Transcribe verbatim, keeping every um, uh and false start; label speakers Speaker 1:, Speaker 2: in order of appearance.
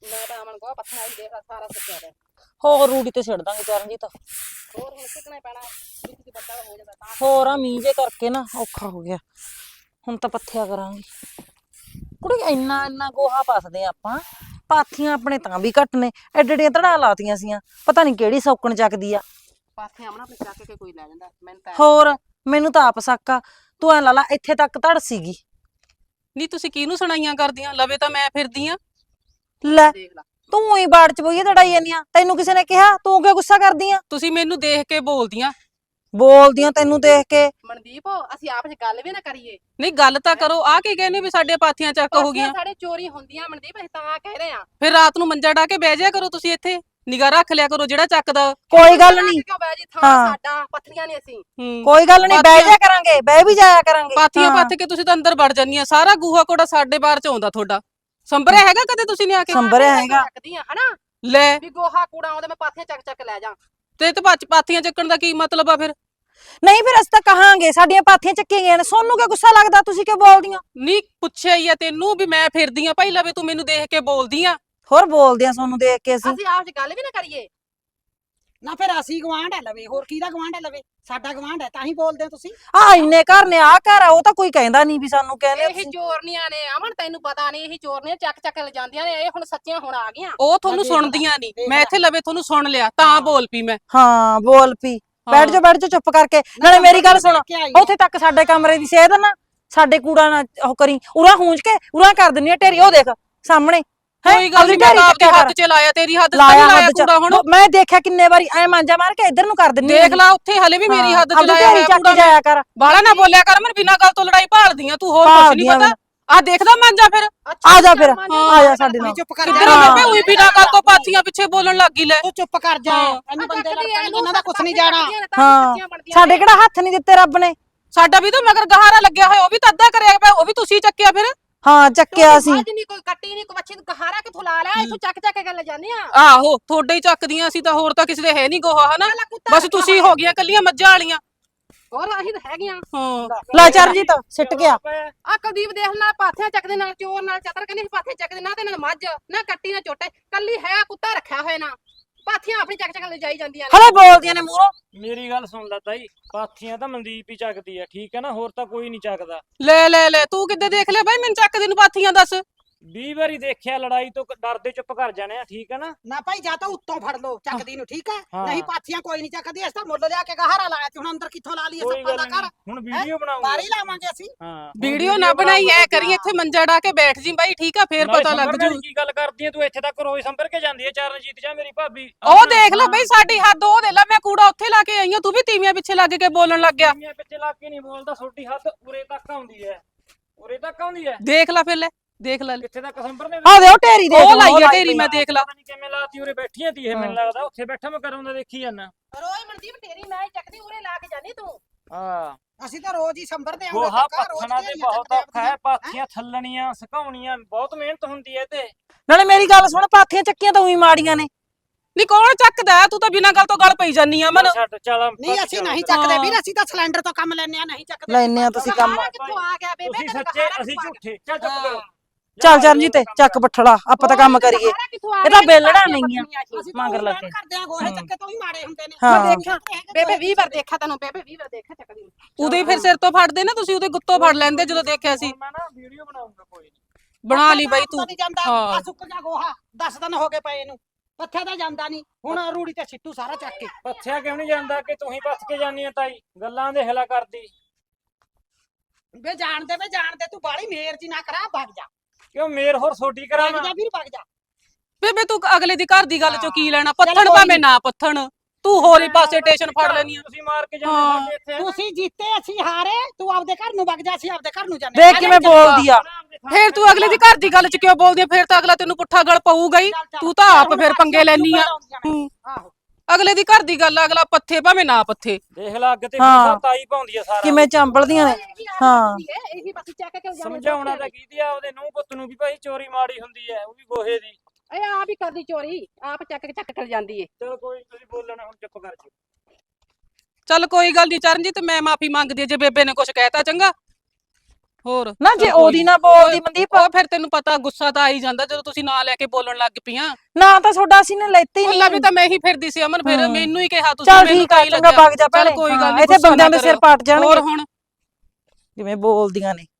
Speaker 1: ਮੈਂ ਤਾਂ ਅਮਨ ਕੋ ਪੱਥਰਾਂ ਹੀ ਦੇਖ ਸਾਰਾ ਸੁੱਕਿਆ ਪਿਆ।
Speaker 2: ਹੋਰ ਰੂੜੀ ਤੇ ਛੱਡ ਦਾਂਗੇ ਚਰਨਜੀਤ।
Speaker 1: ਹੋਰ ਹੁਣ ਸਿੱਟਣਾ ਹੀ ਪੈਣਾ ਵੀ ਤੁਸੀਂ ਵੱਡਾ ਹੋ ਜਾਂਦਾ ਤਾਂ
Speaker 2: ਹੋਰ ਆ ਮੀਂਹ ਜੇ ਕਰਕੇ ਨਾ ਔਖਾ ਹੋ ਗਿਆ। ਹੁਣ ਤਾਂ ਪੱਥਿਆ ਕਰਾਂਗੇ। ਕੁੜੀ ਇੰਨਾ ਇੰਨਾ ਗੋਹਾ ਪਾਸਦੇ ਆਪਾਂ। ਪਾਥੀਆਂ ਆਪਣੇ ਤਾਂ ਵੀ ਘੱਟ ਨੇ। ਐਡੇ ਐਡੀਆਂ ਧੜਾ ਲਾਤੀਆਂ ਸੀਆਂ। ਪਤਾ ਨਹੀਂ ਕਿਹੜੀ ਸੌਕਣ ਚੱਕਦੀ ਆ।
Speaker 1: ਪਾਥੀਆਂ ਅਮਨ ਆਪਣੇ ਚੱਕ ਕੇ ਕੋਈ ਲੈ ਜਾਂਦਾ ਮੈਨੂੰ ਤਾਂ
Speaker 2: ਹੋਰ ਮੈਨੂੰ ਤਾਂ ਆਪ ਸ਼ੱਕ ਆ। ਤੂੰ ਐ ਲਾ ਲਾ ਇੱਥੇ ਤੱਕ ਧੜ ਸੀਗੀ।
Speaker 3: ਨਹੀਂ ਤੁਸੀਂ ਕਿਹਨੂੰ ਸੁਣਾਈਆਂ ਕਰਦੀਆਂ? ਲਵੇ ਤਾਂ ਮੈਂ ਫਿਰਦੀ ਆ।
Speaker 2: ਲੈ
Speaker 1: ਦੇਖ ਲਾ
Speaker 2: ਤੂੰ ਹੀ ਬਾੜ ਚ ਬੋਈਏ ਤੜਾਈ ਜਾਂਦੀ ਆ। ਤੈਨੂੰ ਕਿਸੇ ਨੇ ਕਿਹਾ? ਤੂੰ ਕਿਉਂ ਗੁੱਸਾ ਕਰਦੀ ਆ?
Speaker 3: ਤੁਸੀਂ ਮੈਨੂੰ ਦੇਖ ਕੇ ਬੋਲਦੀਆਂ।
Speaker 2: ਬੋਲਦੀਆਂ ਤੈਨੂੰ ਦੇਖ ਕੇ।
Speaker 1: ਮਨਦੀਪ ਅਸੀਂ ਆਪਸ ਚ ਗੱਲ ਵੀ ਨਾ ਕਰੀਏ।
Speaker 3: ਨਹੀਂ ਗੱਲ ਤਾਂ ਕਰੋ। ਆ ਕੀ ਕਹਿੰਦੇ ਵੀ ਸਾਡੇ ਪਾਥੀਆਂ ਚੱਕ ਹੋ
Speaker 1: ਪਾਥੀਆਂ
Speaker 3: ਗਈਆਂ?
Speaker 1: ਸਾਡੇ ਚੋਰੀ ਹੁੰਦੀਆਂ ਮਨਦੀਪ ਅਸੀਂ ਤਾਂ ਕਹਿ ਰਹੇ ਆ।
Speaker 3: ਫਿਰ ਰਾਤ ਨੂੰ ਮੰਜਾ ਢਾ ਕੇ ਬਹਿ ਜਾਇਆ ਕਰੋ ਤੁਸੀਂ ਇੱਥੇ। ਨਿਗਾਹ ਰੱਖ ਲਿਆ ਕਰੋ ਜਿਹੜਾ ਚੱਕਦਾ।
Speaker 2: ਕੋਈ ਗੱਲ ਨਹੀਂ।
Speaker 1: ਕਿਉਂ ਬੈ ਜੀ ਥਾਂ
Speaker 2: ਹਾਂ।
Speaker 1: ਸਾਡਾ ਪੱਥਰੀਆਂ ਨੇ ਅਸੀਂ।
Speaker 3: ਹੂੰ
Speaker 2: ਕੋਈ ਗੱਲ ਨਹੀਂ ਬਹਿ ਜਾ ਕਰਾਂਗੇ। ਬਹਿ ਵੀ ਜਾਇਆ ਕਰਾਂਗੇ।
Speaker 3: ਪਾਥੀਆਂ
Speaker 2: ਹਾਂ।
Speaker 3: ਪੱਥ ਕੇ ਤੁਸੀਂ ਤਾਂ ਅੰਦਰ ਵੜ ਜਾਂਦੀਆਂ। ਸਾਰਾ ਗੂਹਾ ਕੋੜਾ ਸਾਡੇ ਬਾਹਰ ਚ ਆਉਂਦਾ ਤੁਹਾਡਾ। ਸੰਭਰਿਆ ਹੈਗਾ ਕਦੇ ਤੁਸੀਂ ਨੇ ਆ ਕੇ?
Speaker 2: ਸੰਭਰਿਆ ਹੈਗਾ।
Speaker 1: ਚੱਕਦੀ ਆ ਹਨਾ
Speaker 3: ਲੈ
Speaker 1: ਵੀ ਗੋਹਾ ਕੂੜਾ ਆਉਂਦਾ ਮੈਂ ਪਾਥੀਆਂ ਚੱਕ ਚੱਕ ਲੈ ਜਾ।
Speaker 3: ਤੇ ਤੇ ਪੱਚ ਪਾਥੀਆਂ ਚੱਕਣ ਦਾ ਕੀ ਮਤਲਬ ਆ ਫਿਰ?
Speaker 2: ਨਹੀਂ ਫਿਰ ਅਸੀਂ ਤਾਂ ਕਹਾਂਗੇ ਸਾਡੀਆਂ ਪਾਥੀਆਂ ਚੱਕੀਆਂ ਗਈਆਂ ਨੇ। ਸੋਨੂੰ ਕਿਉਂ ਗੁੱਸਾ ਲੱਗਦਾ? ਤੁਸੀਂ ਕਿਉਂ ਬੋਲਦੀਆਂ?
Speaker 3: ਨਹੀਂ ਪੁੱਛਿਆ ਹੀ ਆ ਤੈਨੂੰ ਵੀ ਮੈਂ ਫਿਰਦੀ ਆ ਭਾਈ ਲਵੇ ਤੂੰ ਮੈਨੂੰ ਦੇਖ ਕੇ ਬੋਲਦੀ ਆ।
Speaker 2: ਹੋਰ ਬੋਲਦੇ ਆ ਸੋਨੂੰ ਦੇਖ ਕੇ ਅਸੀਂ।
Speaker 1: ਅਸੀਂ ਆਪਸ ਚ ਗੱਲ ਵੀ ਨਾ ਕਰੀਏ।
Speaker 4: ਨਾ ਫਿਰ ਅਸੀਂ ਗਵਾਂਢ ਹੈ ਲਵੇ ਹੋਰ ਕਿਹਦਾ ਗਵਾਂਢ ਹੈ ਲਵੇ ਸਾਡਾ ਗਵਾਂਢ ਹੈ ਤਾਂ ਹੀ ਬੋਲਦੇ ਹੋ ਤੁਸੀਂ।
Speaker 2: ਆ ਇੰਨੇ ਘਰ ਨੇ ਆ ਘਰ ਆ ਉਹ ਤਾਂ ਕੋਈ ਕਹਿੰਦਾ ਨਹੀਂ ਵੀ ਸਾਨੂੰ ਕਹਿੰਦੇ ਆ
Speaker 1: ਇਹੀ
Speaker 2: ਤੁਸੀਂ।
Speaker 1: ਚੋਰਨੀਆਂ ਨੇ ਅਮਨ ਤੈਨੂੰ ਪਤਾ ਨਹੀਂ ਇਹੀ ਚੋਰਨੀਆਂ ਚੱਕ ਚੱਕ ਲੈ ਜਾਂਦੀਆਂ ਨੇ। ਇਹ ਹੁਣ ਸੱਚੀਆਂ ਹੁਣ ਆ ਗਈਆਂ।
Speaker 3: ਉਹ ਤੁਹਾਨੂੰ
Speaker 4: ਦੇਖ ਲੈ,
Speaker 3: ਸੁਣਦੀਆਂ ਨਹੀਂ।
Speaker 4: ਦੇਖ
Speaker 3: ਮੈਂ
Speaker 4: ਲੈ।
Speaker 3: ਇੱਥੇ ਲਵੇ ਤੁਹਾਨੂੰ ਸੁਣ ਲਿਆ ਤਾਂ ਬੋਲ ਪਈ ਮੈਂ।
Speaker 2: ਹਾਂ ਬੋਲ ਪੀ। ਬੈਠ ਜਾ ਬੈਠ ਜਾ ਚੁੱਪ ਕਰਕੇ। ਨਾਲੇ ਮੇਰੀ ਗੱਲ ਸੁਣ। ਉੱਥੇ ਤੱਕ ਸਾਡੇ ਕਮਰੇ ਦੀ ਸੇਧ ਨਾ ਸਾਡੇ ਕੂੜਾ ਨਾ ਉਹ ਕਰੀ। ਉਰਾ ਹੂੰਜ ਕੇ ਉਰਾ ਕਰ ਦਿੰਨੀ ਆ ਢੇਰੀ। ਉਹ ਦੇਖ ਸਾਹਮਣੇ। ਹੈਂ?
Speaker 3: ਕੋਈ ਗੱਲ
Speaker 2: ਆਪਦੀ
Speaker 3: ਨਹੀਂ ਮੈਂ
Speaker 2: ਢੇਰੀ
Speaker 3: ਤਾਂ
Speaker 2: ਚੱਕਿਆ
Speaker 3: ਆਪਦੇ
Speaker 2: ਕਰ।
Speaker 3: ਹੱਥ ਚ ਲਾਇਆ ਤੇਰੀ ਹੱਦ ਤਾਂ
Speaker 2: ਲਾਇਆ
Speaker 3: ਨਹੀਂ ਲਾਇਆ
Speaker 2: ਹੱਦ ਚ।
Speaker 3: ਕੂੜਾ ਹੁਣ।
Speaker 2: ਮੈਂ ਦੇਖਿਆ ਕਿੰਨੇ ਵਾਰੀ ਐ ਮਾਂਜਾ ਮਾਰ ਕੇ ਇੱਧਰ ਨੂੰ ਕਰ ਦਿੰਨੀ
Speaker 3: ਦੇਖ ਲਾ ਉੱਥੇ ਹਲੇ ਵੀ ਮੇਰੀ ਹੱਦ ਚ
Speaker 2: ਆਪਦੀ
Speaker 3: ਲਾਇਆ
Speaker 2: ਢੇਰੀ
Speaker 3: ਹੋਇਆ
Speaker 2: ਚੱਕ
Speaker 3: ਕੂੜਾ।
Speaker 2: ਜਾਇਆ ਕਰ।
Speaker 3: ਬਾਲਾ ਨਾ ਬੋਲਿਆ ਕਰ ਮੈਂ ਬਿਨਾਂ ਗੱਲ ਤੋਂ ਲੜਾਈ ਭਾਲਦੀ ਆ। ਤੂੰ ਹੋਰ ਕੁਝ ਨਹੀਂ
Speaker 2: ਭਾਲਦੀਆਂ
Speaker 3: ਪਤਾ। ਆ ਦੇਖਦਾ ਮਾਂਜਾ ਫਿਰ।
Speaker 2: ਆ ਜਾ ਫਿਰ।
Speaker 1: ਹਾਂ,
Speaker 2: ਆ ਜਾ ਸਾਡੇ ਨਾਲ।
Speaker 4: ਚੁੱਪ ਕਰ
Speaker 3: ਕਿੱਧਰ
Speaker 4: ਜਾ
Speaker 3: ਬੇਬੇ ਉਹੀ ਬਿਨਾਂ ਗੱਲ ਤੋਂ ਪਾਥੀਆਂ ਪਿੱਛੇ ਬੋਲਣ ਲੱਗੀ ਲੈ।
Speaker 4: ਤੂੰ ਚੁੱਪ ਕਰ ਜਾ
Speaker 3: ਹਾਂ।
Speaker 4: ਇਹਨੂੰ ਬੰਦੇ ਲੜ ਪੈਣਗੇ ਇਹਨਾਂ ਦਾ ਕੁਝ ਨਹੀਂ ਜਾਣਾ।
Speaker 2: ਹਾਂ ਸਾਡੇ ਕਿਹੜਾ ਹੱਥ ਨਹੀਂ ਦਿੱਤੇ ਰੱਬ ਨੇ।
Speaker 3: ਸਾਡਾ ਵੀ ਤਾਂ ਮਗਰ ਗਹਾਰਾ ਲੱਗਿਆ ਹੋਇਆ ਉਹ ਵੀ ਤਾਂ ਅੱਧਾ ਕਰਿਆ ਪਿਆ। ਉਹ ਵੀ ਤੁਸੀਂ ਚੱਕਿਆ ਫਿਰ।
Speaker 2: ਹਾਂ ਚੱਕਿਆ ਸੀ।
Speaker 1: ਅੱਜ ਨਹੀਂ ਕੋਈ ਕੱਟੀ ਨਹੀਂ ਕੋਈ ਮੱਛੀ ਨੂੰ ਕਹਾਰਾ ਕਿਥੋਂ ਲਾ ਲਿਆ। ਇੱਥੋਂ ਚੱਕ ਚੱਕ ਕੇ ਲੈ ਜਾਂਦੇ ਆ।
Speaker 3: ਆਹੋ ਤੁਹਾਡੇ ਹੀ ਚੱਕਦੀਆਂ ਸੀ ਤਾਂ ਹੋਰ ਤਾਂ ਕਿਸੇ ਦੇ ਹੈ ਨਹੀਂ ਗੋਹਾ ਹਨਾ। ਬਸ ਤੁਸੀਂ ਹੋ ਗਈਆਂ ਕੱਲੀਆਂ ਮੱਝਾਂ ਵਾਲੀਆਂ।
Speaker 1: ਹੋਰ ਅਸੀਂ ਤਾਂ ਹੈਗੀਆਂ।
Speaker 3: ਹਾਂ
Speaker 2: ਲੈ ਚਰਨਜੀਤ ਸਿੱਟ ਗਿਆ।
Speaker 1: ਆ ਕੁਲਦੀਪ ਦੇਖ ਨਾਲ ਪਾਥੀਆਂ ਚੱਕਦੇ ਨਾਲ ਚੋਰ ਨਾਲ ਚਤਰ ਕਹਿੰਦੇ ਸੀ ਪਾਥੀਆਂ ਚੱਕਦੇ ਨਾ ਤੇ ਨਾਲ ਮੱਝ ਨਾ ਕੱਟੀ ਨਾ ਚੋਟੇ ਕੱਲੀ ਹੈ ਕੁੱਤਾ ਰੱਖਿਆ ਹੋਇਆ ਨਾ। ਪਾਥੀਆਂ ਆਪਣੀ ਚੱਕ ਚੱਕ ਲੈ ਜਾਈ ਜਾਂਦੀਆਂ ਨੇ।
Speaker 2: ਹਲੇ ਬੋਲਦੀਆਂ ਨੇ ਮੂਹਰੋਂ।
Speaker 5: ਮੇਰੀ ਗੱਲ ਸੁਣ ਲੈ ਤਾਈ। ਪਾਥੀਆਂ ਤਾਂ ਮਨਦੀਪ ਹੀ ਚੱਕਦੀ ਆ ਠੀਕ ਹੈ ਨਾ। ਹੋਰ ਤਾਂ ਕੋਈ ਨਹੀਂ ਚੱਕਦਾ।
Speaker 3: ਲੈ ਲੈ ਲੈ ਤੂੰ ਕਿੱਦੇ ਦੇਖ ਲਿਆ ਬਾਈ ਮੈਨੂੰ ਚੱਕਦੀ ਨੂੰ ਪਾਥੀਆਂ ਦੱਸ।
Speaker 5: ਵੀਹ ਵਾਰੀ ਦੇਖਿਆ ਲੜਾਈ ਤੋਂ ਡਰਦੇ ਚੁੱਪ ਕਰ ਜਾਣੇ ਆ ਠੀਕ ਹੈ ਨਾ।
Speaker 4: ਨਾ ਭਾਈ ਜਾਂ ਤਾਂ ਉੱਤੋਂ ਫੜ ਲਓ ਚੱਕਦੀ ਨੂੰ ਠੀਕ ਹੈ।
Speaker 5: ਹਾਂ।
Speaker 4: ਨਹੀਂ ਪਾਥੀਆਂ ਕੋਈ ਨਹੀਂ ਚੱਕਦੀ। ਅਸੀਂ ਤਾਂ ਮੁੱਲ ਲਿਆ ਕੇ ਗਹਾਰਾ ਲਾਇਆ ਤੇ ਹੁਣ ਅੰਦਰ ਕਿੱਥੋਂ ਲਾ ਲਈਏ
Speaker 5: ਕੋਈ
Speaker 4: ਸੱਪਾਂ
Speaker 5: ਗੱਲ
Speaker 4: ਦਾ ਘਰ।
Speaker 5: ਨਹੀਂ ਹੁਣ ਵੀਡੀਓ ਬਣਾਉਂਗੇ।
Speaker 4: ਬਾਰੀ ਲਾਵਾਂਗੇ ਅਸੀਂ।
Speaker 5: ਹਾਂ ਹੁਣ
Speaker 3: ਵੀਡੀਓ ਨਾ ਬਣਾਈ ਐ ਕਰੀ ਇੱਥੇ ਮੰਜਾ ਢਾ ਕੇ ਬੈਠ ਜੀ ਬਾਈ ਠੀਕ ਆ ਫੇਰ
Speaker 5: ਨਾਲੇ
Speaker 3: ਪਤਾ ਲੱਗ
Speaker 5: ਸੰਭਰਨੇ
Speaker 3: ਜੂ।
Speaker 5: ਦੀ ਕੀ ਗੱਲ ਕਰਦੀ ਐ ਤੂੰ? ਇੱਥੇ ਤੱਕ ਰੋਜ਼ ਸੰਭਰ ਕੇ ਜਾਂਦੀ ਐ ਚਰਨਜੀਤ ਜਾਂ ਮੇਰੀ ਭਾਬੀ।
Speaker 3: ਉਹ ਦੇਖ ਲੈ ਬਈ ਸਾਡੀ ਹੱਦ ਉਹ ਦੇ ਲੈ ਮੈਂ ਕੂੜਾ ਉੱਥੇ ਲਾ ਕੇ ਆਈ ਆ ਤੂੰ ਵੀ ਤੀਵੀਆਂ ਪਿੱਛੇ ਲੱਗ ਕੇ ਬੋਲਣ ਲੱਗ ਗਿਆ।
Speaker 5: ਤੀਵੀਆਂ ਪਿੱਛੇ ਲੱਗ ਕੇ ਨਹੀਂ ਬੋਲਦਾ। ਛੋਟੀ ਹੱਦ ਉਰੇ ਤੱਕ ਆਉਂਦੀ ਐ। ਉਰੇ ਤੱਕ ਆਉਂਦੀ ਐ।
Speaker 3: ਦੇਖ ਲੈ ਫਿਰ ਲੈ ਦੇਖ ਲੈ
Speaker 5: ਕਿੱਥੇ ਤੱਕ ਸੰਭਰਨੇ
Speaker 2: ਆ ਦੇ ਉਹ ਢੇਰੀ ਦੇਖ।
Speaker 3: ਉਹ ਲਾਈ ਆ ਢੇਰੀ ਮੈਂ ਦੇਖ ਲਾ।
Speaker 5: ਪਤਾ ਨਹੀਂ ਕਿਵੇਂ ਲਾਤੀ ਉਰੇ ਬੈਠੀਆਂ ਤੀ ਇਹ ਮੈਨੂੰ ਲੱਗਦਾ। ਉੱਥੇ ਬੈਠਾ ਮੈਂ ਕਰਾਉਂਦਾ ਦੇਖੀ ਜਾਂਦਾ।
Speaker 1: ਰੋਜ਼ ਮਨਦੀਪ ਤੇਰੀ ਮੈਂ ਹੀ ਚੱਕਦੀ ਉਰੇ ਲਾ ਕੇ ਜਾਨੀ ਤੂੰ।
Speaker 5: ਹਾਂ
Speaker 4: ਅਸੀਂ ਤਾਂ ਰੋਜ਼ ਹੀ ਸੰਭਰਦੇ ਆਂ।
Speaker 5: ਗੋਹਾ ਪੱਥਣਾ ਤੇ ਬਹੁਤ ਔਖਾ ਹੈ। ਪਾਥੀਆਂ ਥੱਲਣੀਆਂ ਸੁਕਾਉਣੀਆਂ ਬਹੁਤ ਮਿਹਨਤ ਹੁੰਦੀ ਹੈ ਤੇ
Speaker 2: ਨਾਲੇ ਮੇਰੀ ਗੱਲ ਸੁਣ ਪਾਥੀਆਂ ਚੱਕੀਆਂ ਤਾਂ ਉਹੀ ਮਾੜੀਆਂ ਨੇ।
Speaker 3: ਨੀ ਕੌਣ ਚੱਕਦਾ ਤੂੰ ਤਾਂ ਬਿਨਾਂ ਗੱਲ ਤੋਂ ਗੱਲ ਪਈ ਜਾਨੀ ਆ ਮਨ।
Speaker 5: ਛੱਡ ਚੱਲ
Speaker 4: ਨਹੀਂ ਅਸੀਂ ਨਹੀਂ ਚੱਕਦੇ ਵੀਰ। ਅਸੀਂ ਤਾਂ ਸਿਲੰਡਰ ਤੋਂ ਕੰਮ ਲੈਣੇ ਆ ਨਹੀਂ ਚੱਕਦੇ।
Speaker 2: ਲੈਨੇ ਆ ਤੁਸੀਂ ਕੰਮ।
Speaker 1: ਕਹਾਰਾ ਕਿੱਥੋਂ ਆ ਗਿਆ ਬੇਬੇ
Speaker 5: ਤੁਸੀਂ
Speaker 1: ਤੈਨੂੰ
Speaker 5: ਸੱਚੇ
Speaker 1: ਕਹਾਰਾ
Speaker 5: ਅਸੀਂ
Speaker 1: ਕਿੱਥੋਂ ਆ
Speaker 5: ਝੂਠੇ। ਚੱਲ ਚੁੱਪ ਕਰੋ।
Speaker 2: ਚੱਲ ਚਰਨਜੀਤ ਚੱਕ ਬੱਠੜਾ ਆਪਾਂ ਤਾਂ ਕੰਮ ਕਰੀਏ।
Speaker 1: ਕਹਾਰਾ ਕਿੱਥੋਂ ਆ
Speaker 2: ਇਹ ਤਾਂ
Speaker 1: ਗਿਆ?
Speaker 2: ਬੇਲੜਾ ਨਹੀਂ ਆ।
Speaker 4: ਅਸੀਂ ਤਾਂ
Speaker 2: ਮਗਰ
Speaker 4: ਉਹੀ
Speaker 2: ਲੱਗ
Speaker 4: ਮਿਹਨਤ
Speaker 2: ਕੇ।
Speaker 4: ਕਰਦੇ ਆਂ। ਗੋਹੇ ਚੱਕੇ ਤੋਂ ਹੀ ਮਾੜੇ ਹੁੰਦੇ ਨੇ।
Speaker 2: ਹਾਂ।
Speaker 4: ਮੈਂ ਦੇਖਿਆ
Speaker 1: ਬੇਬੇ ਵੀਹ ਵਾਰ ਦੇਖਿਆ ਤੈਨੂੰ ਬੇਬੇ ਵੀਹ ਵਾਰ ਦੇਖਿਆ ਚੱਕਦੀ ਨੂੰ।
Speaker 3: ਉਦੋਂ ਹੀ ਫਿਰ ਸਿਰ ਤੋਂ ਫੜਦੇ ਨਾ ਤੁਸੀਂ ਉਹਦੇ ਗੁੱਤੋਂ ਫੜ ਲੈਂਦੇ ਜਦੋਂ ਦੇਖਿਆ ਸੀ।
Speaker 5: ਮੈਂ ਨਾ ਵੀਡੀਓ ਬਣਾਉਂਗਾ ਕੋਈ
Speaker 3: ਬਣਾ ਲਈ ਬਾਈ ਤੂੰ।
Speaker 4: ਨਹੀਂ ਜਾਂਦਾ
Speaker 3: ਹਾਂ।
Speaker 4: ਆ ਸੁੱਕ ਗਿਆ ਗੋਹਾ ਦਸ ਦਿਨ ਹੋ ਗਏ ਪਏ ਇਹਨੂੰ। ਪੱਥਿਆ ਤਾਂ ਜਾਂਦਾ ਨਹੀਂ। ਹੁਣ ਰੂੜੀ ਤੇ ਛਿੱਟੂ ਸਾਰਾ ਚੱਕ ਕੇ।
Speaker 5: ਪੱਥਿਆ ਕਿਉਂ ਨਹੀਂ ਜਾਂਦਾ ਕਿ ਤੂੰ ਹੀ ਪੱਥ ਕੇ ਜਾਨੀ ਆ ਤਾਈ। ਗੱਲਾਂ ਦੇ ਹਲਾ ਕਰਦੀ
Speaker 4: ਵੇ ਜਾਣਦੇ ਵੇ ਜਾਣਦੇ ਤੂੰ ਬਾਲੀ ਮੇਰ ਜੀ ਨਾ ਕਰਾ ਭੱਗ ਜਾ।
Speaker 5: ਕਿਉਂ ਮੇਰ ਹੋਰ ਛੋਟੀ
Speaker 4: ਭੱਗ
Speaker 5: ਕਰਾਵਾਂ।
Speaker 4: ਜਾ ਵੀਰ ਭੱਗ ਜਾ।
Speaker 3: ਬੇਬੇ ਤੂੰ ਅਗਲੇ ਦੀ ਘਰ ਦੀ ਗੱਲ ਚੋਂ ਕੀ ਲੈਣਾ?
Speaker 4: ਚੱਲ
Speaker 3: ਪੱਥਣ
Speaker 4: ਕੋਈ
Speaker 3: ਭਾਵੇਂ ਨਾ ਪੱਥਣ ਤੂੰ ਹੋਰ ਹੀ ਪਾਸੇ ਟੇਸ਼ਨ ਫੜ ਲੈਣੀ ਆ।
Speaker 5: ਤੁਸੀਂ ਮਾਰ ਕੇ
Speaker 3: ਹਾਂ।
Speaker 5: ਜਾਂਦੇ ਸਾਡੇ ਇੱਥੇ
Speaker 4: ਤੁਸੀਂ ਜਿੱਤੇ ਅਸੀਂ ਹਾਰੇ। ਤੂੰ ਆਪਦੇ ਘਰ ਨੂੰ ਵਗ ਜਾ ਅਸੀਂ ਆਪਦੇ ਘਰ ਨੂੰ ਜਾਂਦੇ।
Speaker 2: ਦੇਖ ਕਿਵੇਂ ਬੋਲਦੀ ਆ।
Speaker 3: ਫੇਰ ਤੂੰ ਅਗਲੇ ਦੀ ਘਰ ਦੀ ਗੱਲ ਚ ਕਿਉਂ ਬੋਲਦੀ ਆ? ਫੇਰ ਤਾਂ ਅਗਲਾ ਤੈਨੂੰ ਪੁੱਠਾ ਗਲ ਪਊਗਾ ਹੀ। ਤੂੰ ਤਾਂ ਆਪ ਫਿਰ ਪੰਗੇ ਲੈਣੀ ਆ।
Speaker 4: ਆਹੋ
Speaker 3: ਅਗਲੇ ਦੀ ਘਰ ਦੀ ਗੱਲ ਅਗਲਾ ਪੱਥੇ ਭਾਵੇਂ ਨਾ ਪੱਥੇ।
Speaker 5: ਦੇਖ ਲੈ ਅੱਗ ਤੇ
Speaker 2: ਹਾਂ।
Speaker 5: ਫੂਸਾ ਤਾਈ ਪਾਉਂਦੀ ਆ ਸਾਰਾ।
Speaker 2: ਕਿਵੇਂ ਚੰਬਲਦੀਆਂ ਨੇ। ਹਾਂ।
Speaker 1: ਇਹੀ ਬਸ ਚੱਕ ਕੇ ਜਾਂਦੇ।
Speaker 5: ਸਮਝਾਉਣਾ ਤਾਂ ਕੀਦੀ ਆ ਉਹਦੇ ਨੂੰਹ ਪੁੱਤ ਨੂੰ ਵੀ ਭਾਈ ਚੋਰੀ ਮਾੜੀ ਹੁੰਦੀ ਹੈ। ਉਹ ਵੀ ਗੋਹੇ ਦੀ।
Speaker 1: ਇਹ ਆਪ ਹੀ ਕਰਦੀ ਚੋਰੀ ਆਪ ਚੱਕ ਕੇ ਚੱਕ ਕਰ ਜਾਂਦੀ ਏ।
Speaker 5: ਚਲ ਕੋਈ ਤੁਸੀਂ ਬੋਲਣਾ ਹੁਣ ਚੁੱਪ ਕਰ ਜੀ।
Speaker 3: ਚੱਲ ਕੋਈ ਗੱਲ ਨਹੀਂ ਚਰਨਜੀਤ ਮੈਂ ਮਾਫੀ ਮੰਗਦੀ ਆ ਜੇ ਬੇਬੇ ਨੇ ਕੁਝ ਕਹਿਤਾ ਚੰਗਾ। ਹੋਰ
Speaker 2: ਨਾ ਜੇ
Speaker 3: ਚੱਲ ਕੋਈ
Speaker 2: ਉਹਦੀ
Speaker 3: ਨੀ।
Speaker 2: ਨਾ ਬੋਲਦੀ ਮਨਦੀਪ
Speaker 3: ਉਹ ਫਿਰ ਤੈਨੂੰ ਪਤਾ ਗੁੱਸਾ ਤਾਂ ਆ ਹੀ ਜਾਂਦਾ ਜਦੋਂ ਤੁਸੀਂ ਨਾਂ ਲੈ ਕੇ ਬੋਲਣ ਲੱਗ ਪਈਆਂ।
Speaker 2: ਨਾ ਤਾਂ ਤੁਹਾਡਾ ਅਸੀਂ ਨੇ ਲੈਤੀ
Speaker 3: ਉਹ
Speaker 2: ਨਹੀਂ
Speaker 3: ਲਵੀ ਤਾਂ ਮੈਂ ਹੀ ਫਿਰਦੀ ਸੀ ਅਮਨ ਫਿਰ
Speaker 2: ਹੂੰ।
Speaker 3: ਮੈਨੂੰ ਹੀ ਕਿਹਾ ਤੁਸੀਂ
Speaker 2: ਚੱਲ
Speaker 3: ਮੈਨੂੰ
Speaker 2: ਠੀਕ ਆ
Speaker 3: ਤਾਂ ਹੀ
Speaker 2: ਚੰਗਾ
Speaker 3: ਲੱਗਿਆ
Speaker 2: ਵਗ ਜਾ
Speaker 3: ਚੱਲ
Speaker 2: ਭੈਣੇ
Speaker 3: ਕੋਈ ਗੱਲ
Speaker 2: ਹਾਂ,
Speaker 3: ਨਹੀਂ
Speaker 2: ਇੱਥੇ ਬੰਦਿਆਂ ਦੇ ਸਿਰ ਪਾਟ ਜਾਣਗੇ
Speaker 3: ਹੋਰ ਹੁਣ
Speaker 2: ਜਿਵੇਂ ਬੋਲਦੀਆਂ ਨੇ